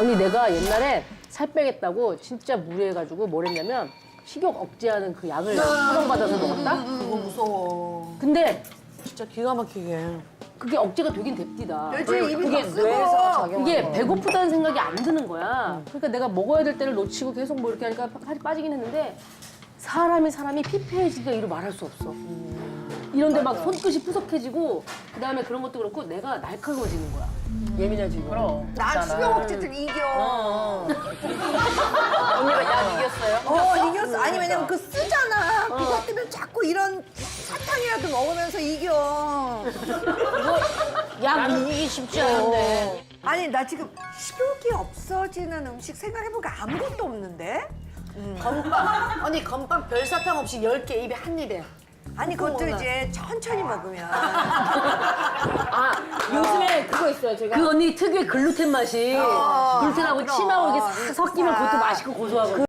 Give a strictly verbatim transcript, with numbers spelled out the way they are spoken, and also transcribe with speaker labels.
Speaker 1: 언니 내가 옛날에 살 빼겠다고 진짜 무리해가지고 뭘 했냐면 식욕 억제하는 그 약을 처방받아서 먹었다?
Speaker 2: 그거 무서워.
Speaker 1: 근데
Speaker 2: 진짜 기가 막히게.
Speaker 1: 그게 억제가 되긴 됩디다.
Speaker 3: 일주일에 입이
Speaker 1: 그게
Speaker 3: 더 쓰고.
Speaker 2: 뇌에서 작용하는
Speaker 1: 이게
Speaker 2: 거.
Speaker 1: 배고프다는 생각이 안 드는 거야. 그러니까 내가 먹어야 될 때를 놓치고 계속 뭐 이렇게 하니까 살이 빠지긴 했는데 사람이 사람이 피폐해지기가 이루 말할 수 없어. 이런데 막 손끝이 푸석해지고 그다음에 그런 것도 그렇고 내가 날카로워지는 거야. 예민해지고. 그럼.
Speaker 3: 난 수경 억제들 이겨.
Speaker 1: 언니가 약 이겼어요?
Speaker 3: 어, 이겼어. 아니, 왜냐면 그 쓰잖아. 그것 때문에 자꾸 이런 사탕이라도 먹으면서 이겨.
Speaker 1: 약 이기기 쉽지 않은데.
Speaker 3: 아니, 나 지금 식욕이 없어지는 음식 생각해보니까 아무것도 없는데?
Speaker 2: 건빵. 언니 건빵 별 사탕 없이 열 개 입에 한 입에.
Speaker 3: 아니, 그것도
Speaker 2: 먹어라.
Speaker 3: 이제 천천히 먹으면.
Speaker 1: 아,
Speaker 2: 요즘에 그거 있어요, 제가.
Speaker 1: 그 언니 특유의 글루텐 맛이
Speaker 3: 어,
Speaker 1: 글루텐하고
Speaker 3: 그럼.
Speaker 1: 침하고 이게 싹 섞이면 그것도 맛있고 고소하고.